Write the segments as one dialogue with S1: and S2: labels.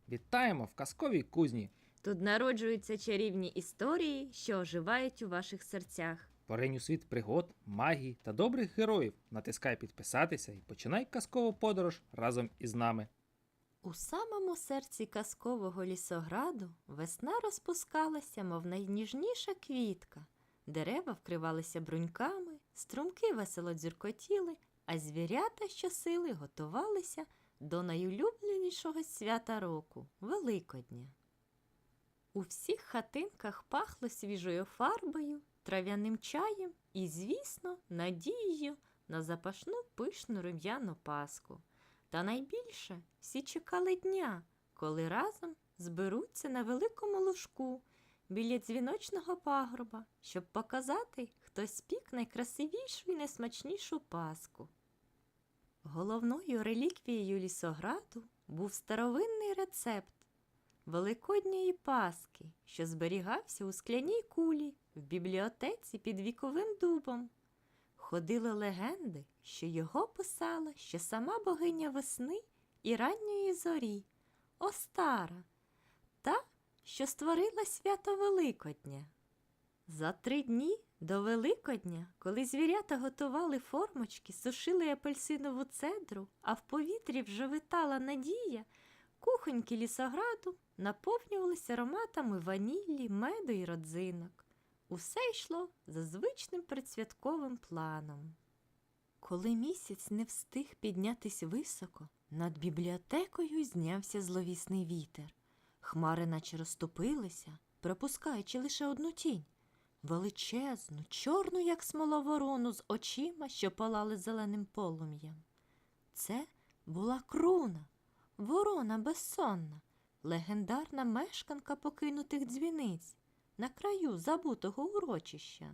S1: Вітаємо в казковій кузні!
S2: Тут народжуються чарівні історії, що оживають у ваших серцях.
S1: Поринь у світ пригод, магії та добрих героїв. Натискай підписатися і починай казкову подорож разом із нами.
S2: У самому серці казкового лісограду весна розпускалася, мов найніжніша квітка. Дерева вкривалися бруньками, струмки весело дзюркотіли, а звірята щосили готувалися до найулюбленішого свята року – Великодня. У всіх хатинках пахло свіжою фарбою, трав'яним чаєм і, звісно, надією на запашну пишну рум'яну паску. Та найбільше всі чекали дня, коли разом зберуться на великому лужку біля дзвіночного пагорба, щоб показати, хто спік найкрасивішу і найсмачнішу паску. Головною реліквією лісограду був старовинний рецепт великодньої паски, що зберігався у скляній кулі в бібліотеці під віковим дубом. Ходили легенди, що його писала ще сама богиня весни і ранньої зорі – Остара, та, що створила свято Великодня. За 3 дні до Великодня, коли звірята готували формочки, сушили апельсинову цедру, а в повітрі вже витала надія, кухоньки лісограду наповнювалися ароматами ванілі, меду і родзинок. Усе йшло за звичним предсвятковим планом. Коли місяць не встиг піднятись високо, над бібліотекою знявся зловісний вітер. Хмари наче розступилися, пропускаючи лише одну тінь – величезну, чорну, як смола ворону з очима, що палали зеленим полум'ям. Це була Круна, ворона безсонна, легендарна мешканка покинутих дзвіниць на краю забутого урочища.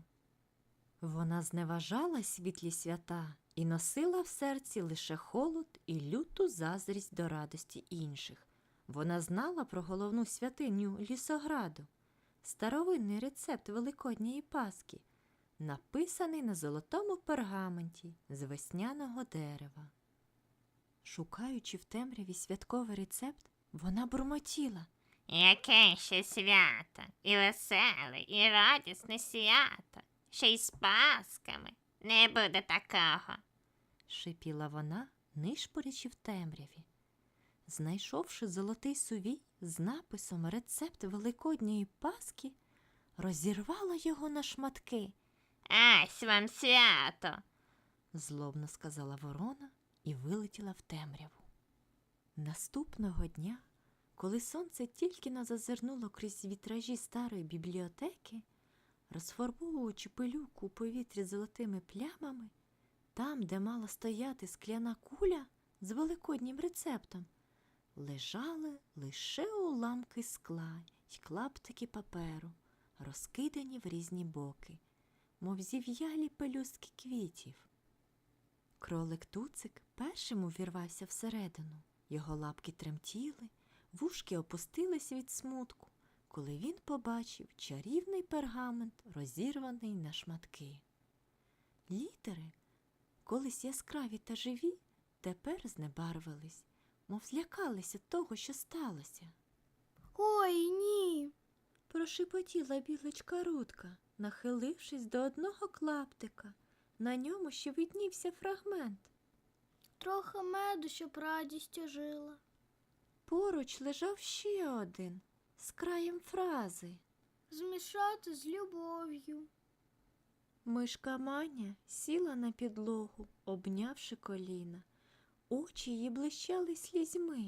S2: Вона зневажала світлі свята і носила в серці лише холод і люту заздрість до радості інших. Вона знала про головну святиню лісограду – старовинний рецепт великодньої паски, написаний на золотому пергаменті з весняного дерева. Шукаючи в темряві святковий рецепт, вона бурмотіла:
S3: Яке ще свято, і веселе, і радісне свято, ще й з пасками. Не буде такого.
S2: шипіла вона, нишпорячи в темряві. Знайшовши золотий сувій з написом «Рецепт великодньої паски», розірвала його на шматки.
S3: Ась вам свято.
S2: Злобно сказала ворона і вилетіла в темряву. Наступного дня, коли сонце тільки но зазирнуло крізь вітражі старої бібліотеки, розфарбовуючи пилюку у повітрі золотими плямами, там, де мала стояти скляна куля з великоднім рецептом, лежали лише уламки скла й клаптики паперу, розкидані в різні боки, мов зів'ялі пелюстки квітів. Кролик Туцик першим увірвався всередину. Його лапки тремтіли, вушки опустились від смутку, коли він побачив чарівний пергамент, розірваний на шматки. Літери, колись яскраві та живі, тепер знебарвились, мов злякалися того, що сталося.
S4: Ой, ні.
S2: Прошепотіла білочка Рудка, нахилившись до одного клаптика. На ньому ще виднівся фрагмент.
S4: Трохи меду, щоб радість ожила.
S2: Поруч лежав ще один, з краєм фрази.
S4: Змішати з любов'ю.
S2: Мишка Маня сіла на підлогу, обнявши коліна. Очі її блищали слізьми.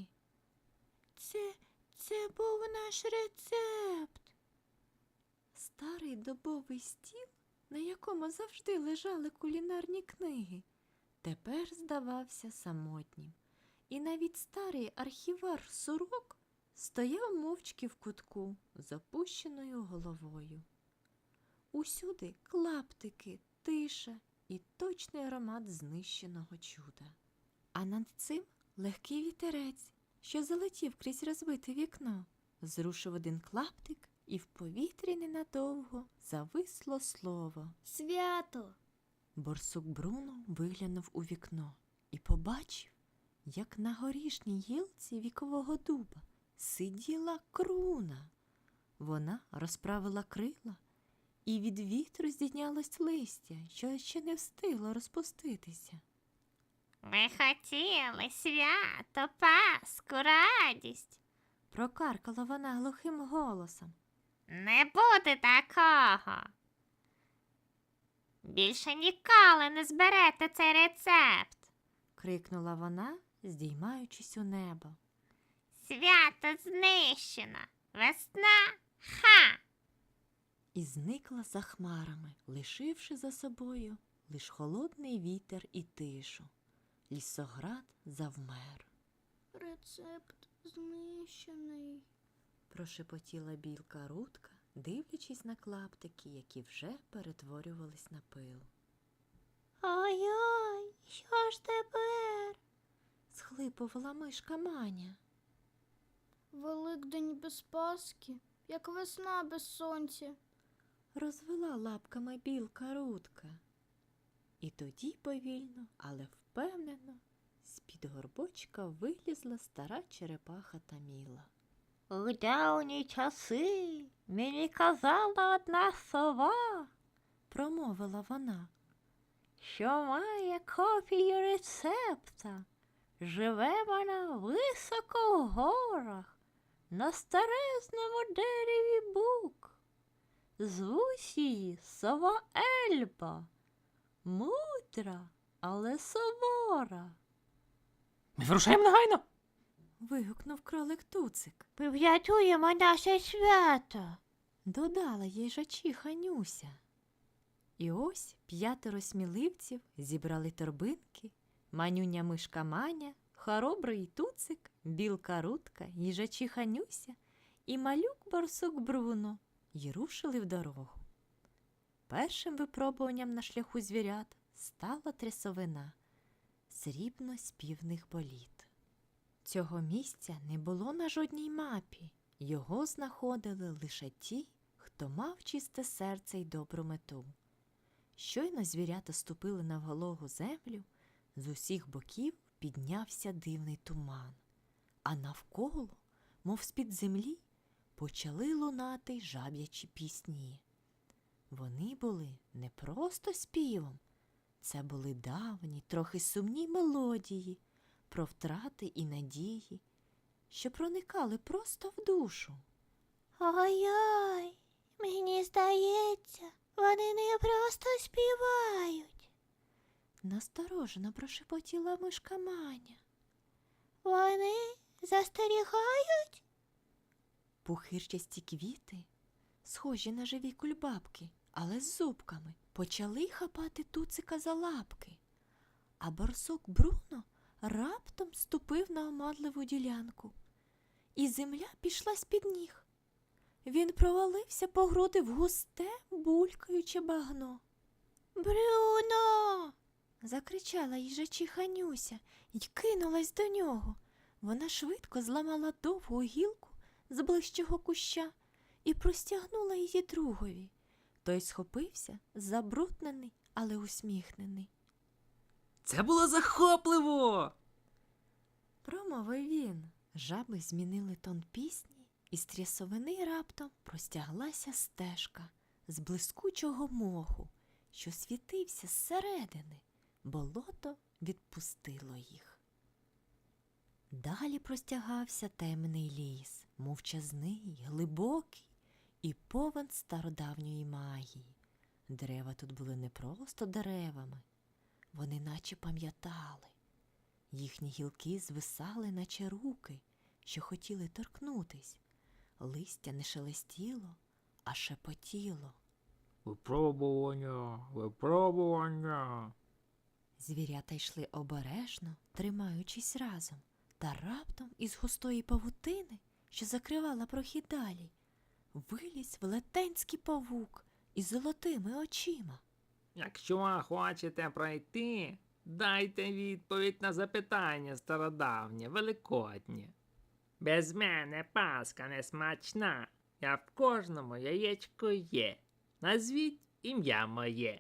S2: Це був наш рецепт. Старий дубовий стіл, на якому завжди лежали кулінарні книги, тепер здавався самотнім. І навіть старий архівар Сурок стояв мовчки в кутку з опущеною головою. Усюди клаптики, тиша і точний аромат знищеного чуда. А над цим легкий вітерець, що залетів крізь розбите вікно, зрушив один клаптик, і в повітрі ненадовго зависло слово
S4: Свято.
S2: Борсук Бруно виглянув у вікно і побачив, як на горішній гілці вікового дуба сиділа круна. Вона розправила крила, і від вітру здійнялось листя, що ще не встигло розпуститися.
S3: Ми хотіли свято, Пасху, радість.
S2: Прокаркала вона глухим голосом.
S3: Не буде такого. Більше ніколи не зберете цей рецепт.
S2: Крикнула вона, здіймаючись у небо.
S3: Свято знищено. Весна ха.
S2: І зникла за хмарами, лишивши за собою лиш холодний вітер і тишу. Лісоград завмер.
S4: Рецепт знищений.
S2: Прошепотіла білка Рудка, дивлячись на клаптики, які вже перетворювались на пил.
S4: Ой-ой, що ж тепер?
S2: Схлипувала мишка Маня.
S4: Великдень без Пасхи, як весна без сонця.
S2: Розвела лапками білка Рудка. І тоді повільно, але впевнено, з-під горбочка вилізла стара черепаха Таміла.
S3: У давні часи мені казала одна сова,
S2: Промовила вона.
S3: що має копію рецепта. Живе вона високо в горах, на старезному дереві бук. Звуть її сова Ельба, мудра, але сувора.
S1: Ми вирушаємо негайно.
S2: Вигукнув кролик Туцик.
S3: Ми врятуємо наше свято.
S2: Додала їжачиха Нюся. І ось 5 сміливців зібрали торбинки, манюня мишка Маня, хоробрий Туцик, білка Рудка, їжачиха Нюся і малюк барсук Бруно й рушили в дорогу. Першим випробуванням на шляху звірят стала трясовина, срібно-співних боліт. Цього місця не було на жодній мапі, його знаходили лише ті, хто мав чисте серце й добру мету. Щойно звірята ступили на вологу землю, з усіх боків піднявся дивний туман, а навколо, мов з-під землі, почали лунати жаб'ячі пісні. Вони були не просто співом, це були давні, трохи сумні мелодії про втрати і надії, що проникали просто в душу.
S3: Ой-ой, мені здається, вони не просто співають.
S2: Насторожено прошепотіла мишка Маня.
S3: Вони застерігають?
S2: Пухирчасті квіти, схожі на живі кульбабки, але з зубками, почали хапати Туцика за лапки, а барсук Бруно раптом ступив на омадливу ділянку, і земля пішла з-під ніг. Він провалився по груди в густе, булькаюче багно.
S3: Брюно!
S2: Закричала їжачиха Нюся й кинулась до нього. Вона швидко зламала довгу гілку з ближчого куща і простягнула її другові. Той схопився, забруднений, але усміхнений.
S1: Це було захопливо.
S2: Промовив він. Жаби змінили тон пісні, і з трясовини раптом простяглася стежка з блискучого моху, що світився зсередини. Болото відпустило їх. Далі простягався темний ліс, мовчазний, глибокий і повен стародавньої магії. Дерева тут були не просто деревами, вони наче пам'ятали. Їхні гілки звисали, наче руки, що хотіли торкнутись. Листя не шелестіло, а шепотіло.
S1: Випробування, випробування.
S2: Звірята йшли обережно, тримаючись разом, та раптом із густої павутини, що закривала прохід далі, виліз велетенський павук із золотими очима.
S1: Якщо хочете пройти, дайте відповідь на запитання стародавнє, великоднє. Без мене Пасха не смачна, я в кожному яєчку є. Назвіть ім'я моє.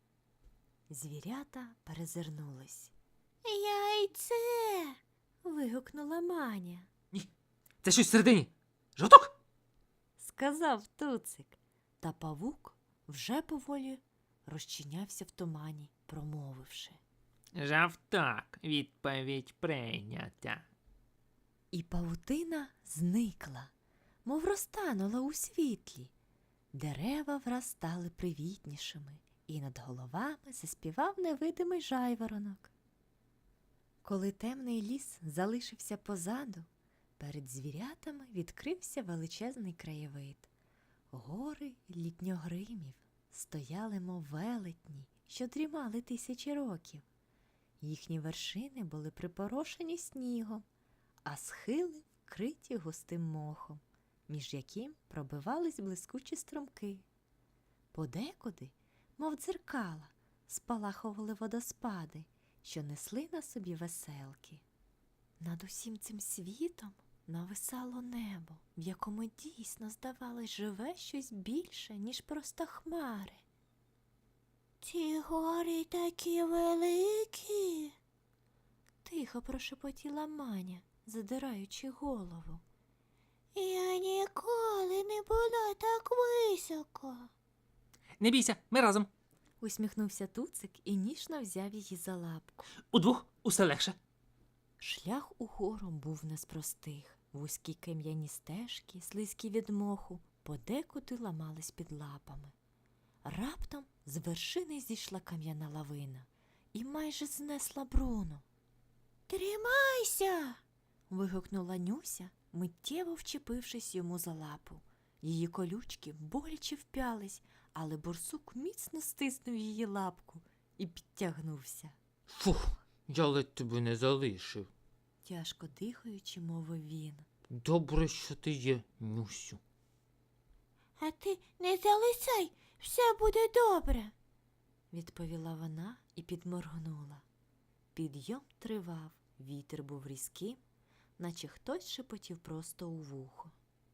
S2: Звірята перезирнулись.
S3: Яйце!
S2: Вигукнула Маня.
S1: Це щось всередині. Жовток?
S2: сказав Туцик. Та павук вже поволі розчинявся в тумані, промовивши.
S1: Жовток. Відповідь прийнята.
S2: І павутина зникла, мов розтанула у світлі. Дерева враз стали привітнішими, і над головами заспівав невидимий жайворонок. Коли темний ліс залишився позаду, перед звірятами відкрився величезний краєвид. Гори літньогримів стояли, мов велетні, що дрімали тисячі років. Їхні вершини були припорошені снігом, а схили вкриті густим мохом, між яким пробивались блискучі струмки. Подекуди, мов дзеркала, спалахували водоспади, що несли на собі веселки. Над усім цим світом нависало небо, в якому дійсно, здавалось, живе щось більше, ніж просто хмари. «Ці гори такі великі!» тихо прошепотіла Маня, задираючи голову. «Я ніколи не була так високо!»
S1: Не бійся, ми разом.
S2: усміхнувся Туцик і ніжно взяв її за лапку.
S1: Удвох усе легше.
S2: Шлях угору був не з простих. Вузькі кам'яні стежки, слизькі від моху, подекуди ламались під лапами. Раптом з вершини зійшла кам'яна лавина і майже знесла Бруно. «Тримайся!» – вигукнула Нюся, миттєво вчепившись йому за лапу. Її колючки боляче вп'ялись, але борсук міцно стиснув її лапку і підтягнувся.
S1: Фух, я ледь тебе не залишив.
S2: Тяжко дихаючи, мовив він.
S1: Добре, що ти є, Нюсю.
S2: «А ти не залисай, все буде добре», – відповіла вона і підморгнула. Підйом тривав, вітер був різким, наче хтось шепотів просто у вухо.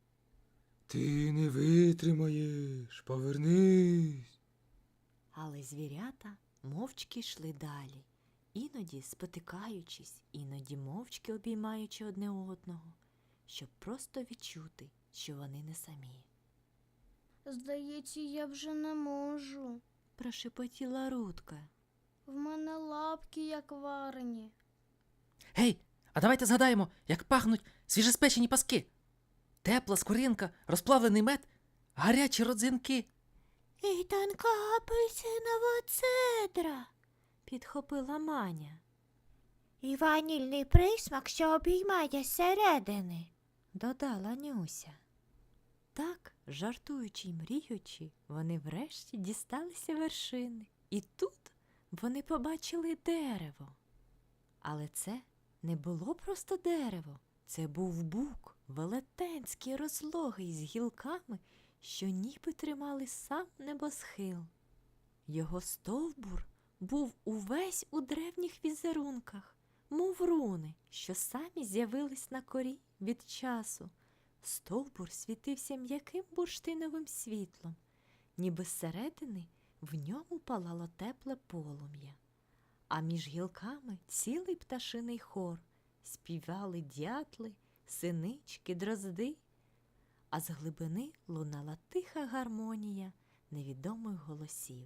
S5: Ти не витримаєш, повернись.
S2: Але звірята мовчки йшли далі, іноді спотикаючись, іноді мовчки обіймаючи одне одного, щоб просто відчути, що вони не самі.
S4: Здається, я вже не можу.
S2: Прошепотіла Рудка.
S4: В мене лапки як варені.
S1: Гей, а давайте згадаємо, як пахнуть свіжеспечені паски. Тепла скоринка, розплавлений мед, гарячі родзинки.
S2: «І тонка апельсинова цедра», – підхопила Маня. «І ванільний присмак, що обіймає зсередини», – додала Нюся. Так, жартуючи й мріючи, вони врешті дісталися вершини. І тут вони побачили дерево. Але це не було просто дерево. Це був бук, велетенський, розлогий, з гілками, що ніби тримали сам небосхил. Його стовбур був увесь у древніх візерунках, мов руни, що самі з'явились на корі від часу. Стовбур світився м'яким бурштиновим світлом, ніби зсередини в ньому палало тепле полум'я. А між гілками цілий пташиний хор, співали дятли, синички, дрозди, а з глибини лунала тиха гармонія невідомих голосів.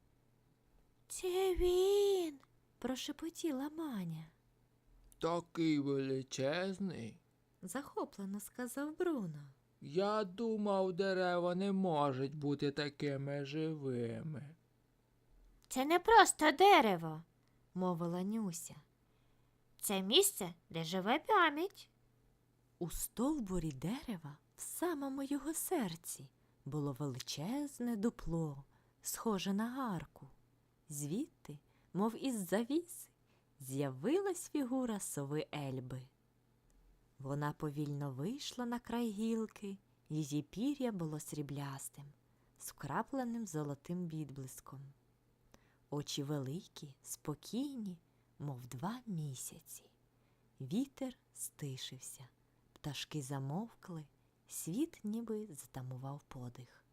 S2: «Це він!» – прошепотіла Маня.
S5: Такий величезний.
S2: Захоплено сказав Бруно.
S5: Я думав, дерева не можуть бути такими живими.
S2: «Це не просто дерево», – мовила Нюся. «Це місце, де живе пам'ять». У стовбурі дерева, в самому його серці, було величезне дупло, схоже на арку. Звідти, мов із завіси, з'явилась фігура сови Ельби. Вона повільно вийшла на край гілки, її пір'я було сріблястим, з вкрапленим золотим відблиском. Очі великі, спокійні, мов 2 місяці. Вітер стишився, пташки замовкли, світ ніби затамував подих.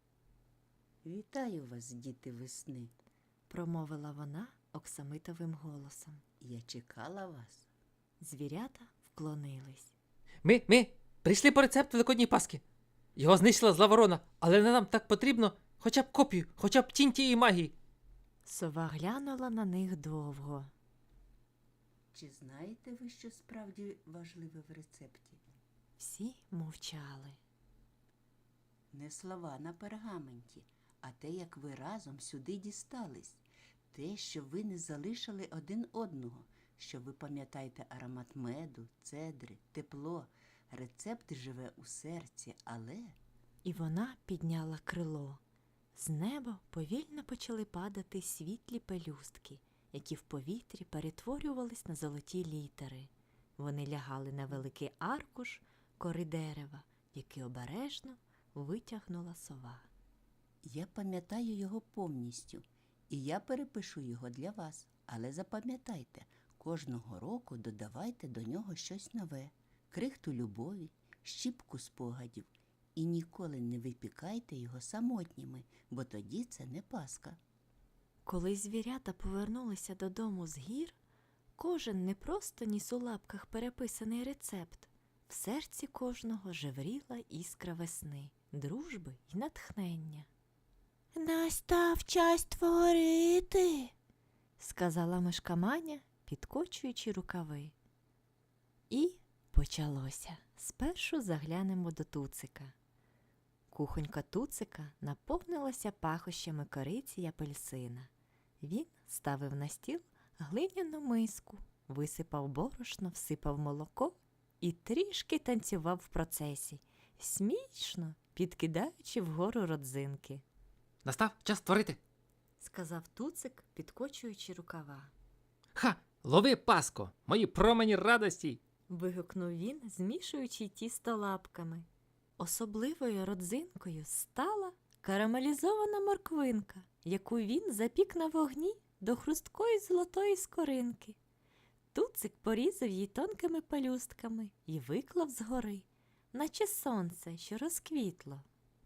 S6: Вітаю вас, діти весни.
S2: Промовила вона оксамитовим голосом.
S6: Я чекала вас.
S2: Звірята вклонились.
S1: Ми Прийшли по рецепту Великодньої Паски. Його знищила зла ворона, але нам так потрібно хоча б копію, хоча б тінь тієї магії.
S2: Сова глянула на них довго.
S6: Чи знаєте ви, що справді важливе в рецепті?
S2: Всі мовчали.
S6: Не слова на пергаменті, а те, як ви разом сюди дістались. Те, що ви не залишили один одного, що ви пам'ятаєте аромат меду, цедри, тепло. Рецепт живе у серці, але...
S2: І вона підняла крило. З неба повільно почали падати світлі пелюстки, які в повітрі перетворювались на золоті літери. Вони лягали на великий аркуш кори дерева, який обережно витягнула сова.
S6: Я пам'ятаю його повністю, і я перепишу його для вас. Але запам'ятайте, кожного року додавайте до нього щось нове, крихту любові, щіпку спогадів. І ніколи не випікайте його самотніми, бо тоді це не Пасха.
S2: Коли звірята повернулися додому з гір, кожен не просто ніс у лапках переписаний рецепт. В серці кожного жевріла іскра весни, дружби й натхнення. «Настав час творити», – сказала мишка Маня, підкочуючи рукави. І почалося. Спершу заглянемо до Туцика. Кухонька Туцика наповнилася пахощами кориці й апельсина. Він ставив на стіл глиняну миску, висипав борошно, всипав молоко і трішки танцював в процесі, смішно підкидаючи вгору родзинки.
S1: Настав час творити.
S2: Сказав Туцик, підкочуючи рукава.
S1: Ха! Лови, Паско! Мої промені радості!
S2: Вигукнув він, змішуючи тісто лапками. Особливою родзинкою стала карамелізована морквинка, яку він запік на вогні до хрусткої золотої скоринки. Туцик порізав її тонкими пелюстками і виклав згори, наче сонце, що розквітло.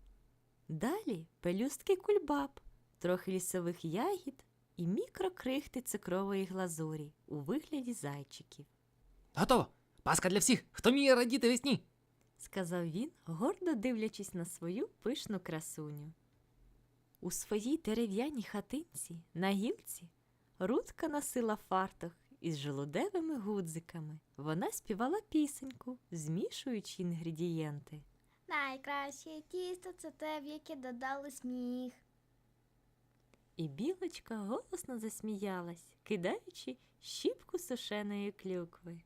S2: Далі пелюстки кульбаб, трохи лісових ягід і мікрокрихти цукрової глазурі у вигляді зайчиків.
S1: Готово! Паска для всіх, хто вміє радіти весні!
S2: Сказав він, гордо дивлячись на свою пишну красуню. У своїй дерев'яній хатинці на гілці Рудка носила фартух із желудевими гудзиками. Вона співала пісеньку, змішуючи інгредієнти.
S4: Найкраще тісто це те, в яке додали сміх.
S2: І білочка голосно засміялась, кидаючи щіпку сушеної клюкви.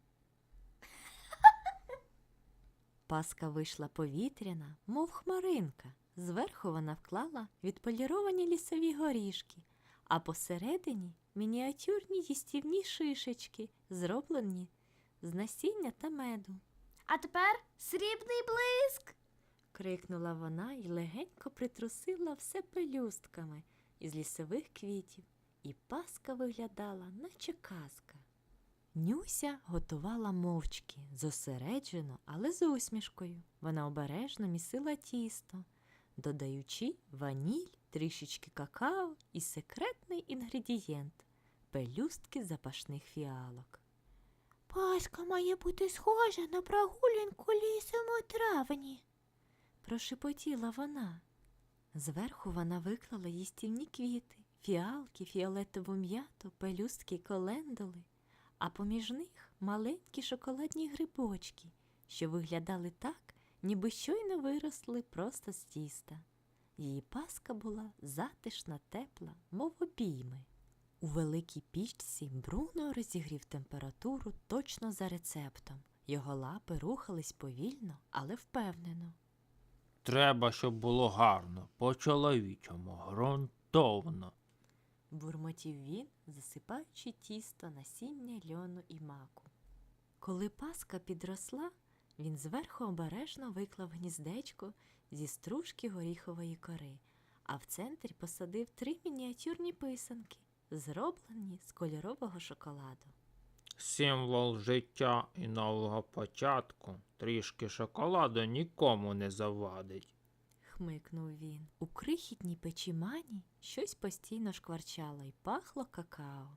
S2: Паска вийшла повітряна, мов хмаринка. Зверху вона вклала відполіровані лісові горішки, а посередині мініатюрні їстівні шишечки, зроблені з насіння та меду.
S4: А тепер срібний блиск.
S2: Крикнула вона й легенько притрусила все пелюстками із лісових квітів, і Паска виглядала, наче казка. Нюся готувала мовчки, зосереджено, але з усмішкою. Вона обережно місила тісто, додаючи ваніль, трішечки какао і секретний інгредієнт – пелюстки запашних фіалок. «Паска має бути схожа на прогулянку лісом у травні», – прошепотіла вона. Зверху вона виклала їстівні квіти, фіалки, фіолетову м'яту, пелюстки й колендули, а поміж них маленькі шоколадні грибочки, що виглядали так, ніби щойно виросли просто з тіста. Її паска була затишна, тепла, мов обійми. У великій пічці Бруно розігрів температуру точно за рецептом. Його лапи рухались повільно, але впевнено.
S5: Треба, щоб було гарно, по-чоловічому, ґрунтовно.
S2: Бурмотів він, засипаючи тісто, насіння, льону і маку. Коли паска підросла, він зверху обережно виклав гніздечко зі стружки горіхової кори, а в центрі посадив 3 мініатюрні писанки, зроблені з кольорового шоколаду.
S5: Символ життя і нового початку. Трішки шоколаду нікому не завадить.
S2: Хмикнув він. У крихітній печі Мані щось постійно шкварчало й пахло какао.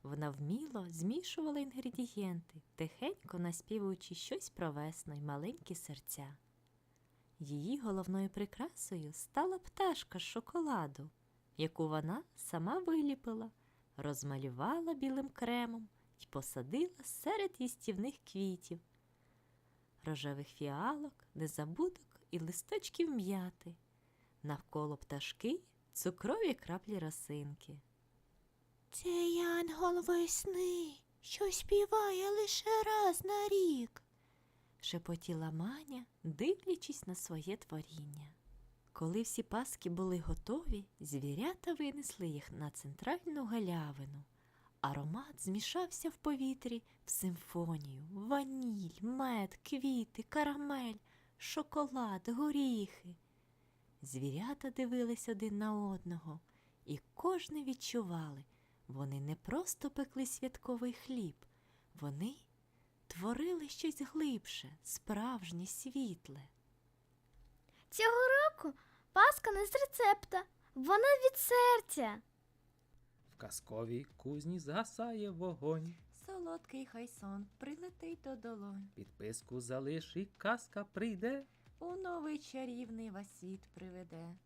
S2: Вона вміло змішувала інгредієнти, тихенько наспівуючи щось про весну й маленькі серця. Її головною прикрасою стала пташка з шоколаду, яку вона сама виліпила, розмалювала білим кремом і посадила серед їстівних квітів, рожевих фіалок, незабудок і листочків м'яти. Навколо пташки цукрові краплі росинки.
S7: Це янгол весни, що співає лише раз на рік.
S2: Шепотіла Маня, дивлячись на своє творіння. Коли всі паски були готові, звірята винесли їх на центральну галявину. Аромат змішався в повітрі в симфонію: ваніль, мед, квіти, карамель, шоколад, горіхи. Звірята дивились один на одного, і кожне відчували: вони не просто пекли святковий хліб, вони творили щось глибше, справжнє, світле.
S4: Цього року паска не з рецепта, вона від серця.
S5: В казковій кузні згасає вогонь.
S2: Солодкий хай сон прилетить до долонь,
S5: Підписку залиш і казка прийде.
S2: у новий чарівний вас світ приведе.